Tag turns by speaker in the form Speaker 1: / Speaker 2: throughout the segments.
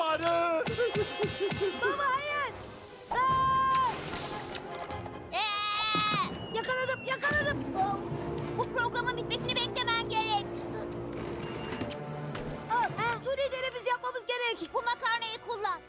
Speaker 1: zamanı.
Speaker 2: Baba hayır. Aa! Yakaladım, yakaladım. Oh.
Speaker 3: Bu programın bitmesini beklemen gerek.
Speaker 2: Suni teneffüs yapmamız gerek.
Speaker 3: Bu makarnayı kullan.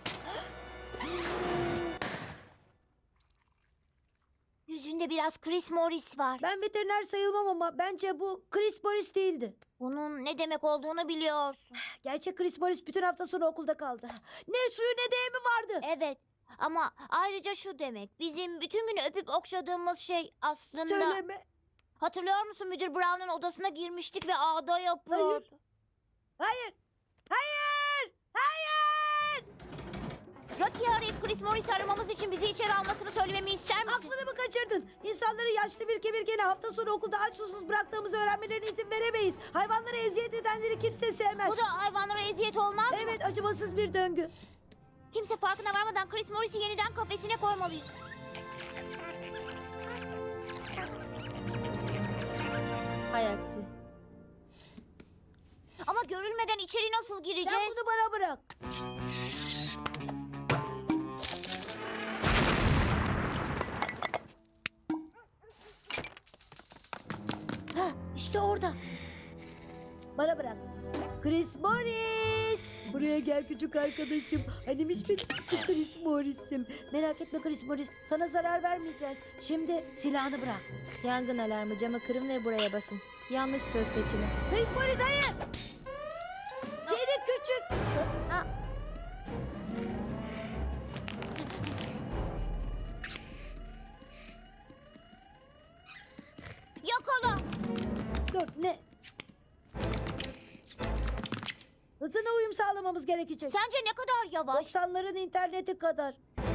Speaker 3: Yüzünde biraz Chris Morris var.
Speaker 2: Ben veteriner sayılmam ama bence bu Chris Morris değildi.
Speaker 3: Bunun ne demek olduğunu biliyorsun.
Speaker 2: Gerçek Chris Morris bütün hafta sonu okulda kaldı. Ne suyu ne de yemi vardı.
Speaker 3: Evet. Ama ayrıca şu demek. Bizim bütün günü öpüp okşadığımız şey aslında...
Speaker 2: Söyleme.
Speaker 3: Hatırlıyor musun, müdür Brown'un odasına girmiştik ve ağda yapıyordu.
Speaker 2: Hayır. Hayır. Hayır.
Speaker 3: Rocky'yi arayıp Chris Morris'i aramamız için bizi içeri almasını söylememi ister misin?
Speaker 2: Aklını mı kaçırdın? İnsanları yaşlı bir kemirgeni hafta sonu okulda aç susuz bıraktığımızı öğrenmelerine izin veremeyiz. Hayvanlara eziyet edenleri kimse sevmez.
Speaker 3: Bu da hayvanlara eziyet olmaz mı?
Speaker 2: Evet, acımasız bir döngü.
Speaker 3: Kimse farkına varmadan Chris Morris'i yeniden kafesine koymalıyız.
Speaker 4: Hay aksi.
Speaker 3: Ama görülmeden içeri nasıl gireceğiz?
Speaker 2: Sen bunu bana bırak. Hah, işte orada. Bana bırak. Chris Morris. Buraya gel küçük arkadaşım. Hanimiş benim Chris Morris'im. Merak etme Chris Morris. Sana zarar vermeyeceğiz. Şimdi silahını bırak.
Speaker 4: Yangın alarmı, camı kırın ve buraya basın. Yanlış söz seçimi.
Speaker 2: Chris Morris hayır. Seni küçük.
Speaker 3: Yakala!
Speaker 2: Dur ne? Hızına uyum sağlamamız gerekecek.
Speaker 3: Sence ne kadar yavaş?
Speaker 2: 90'ların interneti kadar.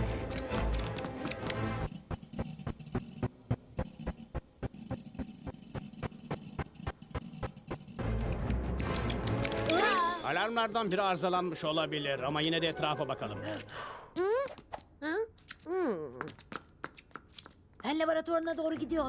Speaker 5: Alarmlardan biri arızalanmış olabilir ama yine de etrafa bakalım.
Speaker 2: Fen laboratuvarına doğru gidiyor.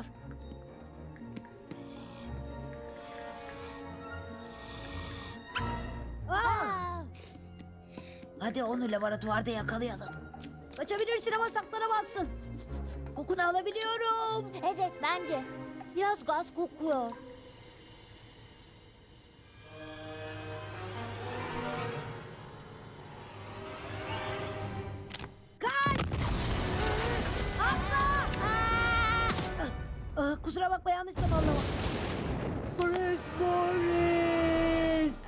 Speaker 3: Aa!
Speaker 2: Hadi onu laboratuvarda yakalayalım. Kaçabilirsin ama saklanamazsın. Kokunu alabiliyorum.
Speaker 3: Evet, ben de. Biraz gaz kokuyor.
Speaker 2: Kaç! Atla! Kusura bakma yanlış zamanlama. Chris Morris!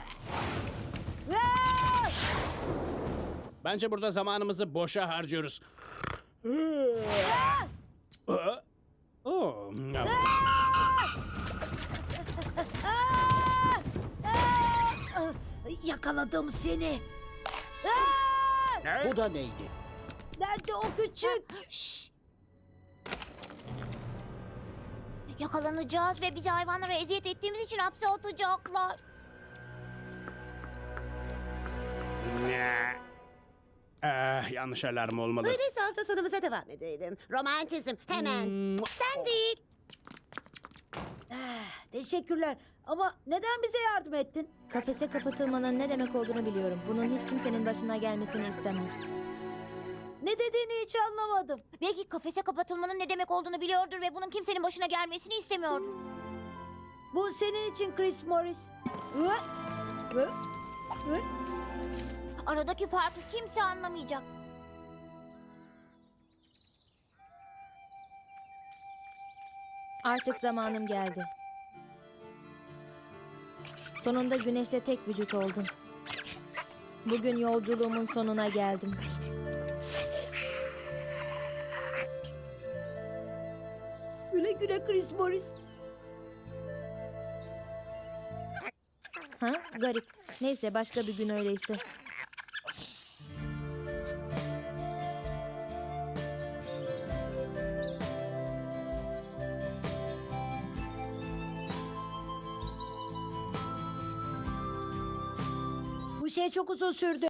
Speaker 2: Aa!
Speaker 5: Bence burada zamanımızı boşa harcıyoruz. Oh.
Speaker 2: Yakaladım seni.
Speaker 5: Ne?
Speaker 1: Bu da neydi?
Speaker 2: Nerede o küçük?
Speaker 3: Şşş! Yakalanacağız ve bizi hayvanlara eziyet ettiğimiz için hapse atacaklar.
Speaker 5: Yanlış alarm olmalı.
Speaker 6: Öyleyse hafta sonumuza devam edelim. Romantizm hemen. Sen değil.
Speaker 2: Teşekkürler. Ama neden bize yardım ettin?
Speaker 4: Kafese kapatılmanın ne demek olduğunu biliyorum. Bunun hiç kimsenin başına gelmesini istemem.
Speaker 2: Ne dediğini hiç anlamadım.
Speaker 3: Belki kafese kapatılmanın ne demek olduğunu biliyordur ve bunun kimsenin başına gelmesini istemiyordur.
Speaker 2: Bu senin için Chris Morris. Hı? Hı? Hı?
Speaker 3: Aradaki farkı kimse anlamayacak.
Speaker 4: Artık zamanım geldi. Sonunda güneşte tek vücut oldum. Bugün yolculuğumun sonuna geldim.
Speaker 2: Güle güle Chris Morris.
Speaker 4: Ha? Garip. Neyse başka bir gün öyleyse.
Speaker 2: Bu şey çok uzun sürdü.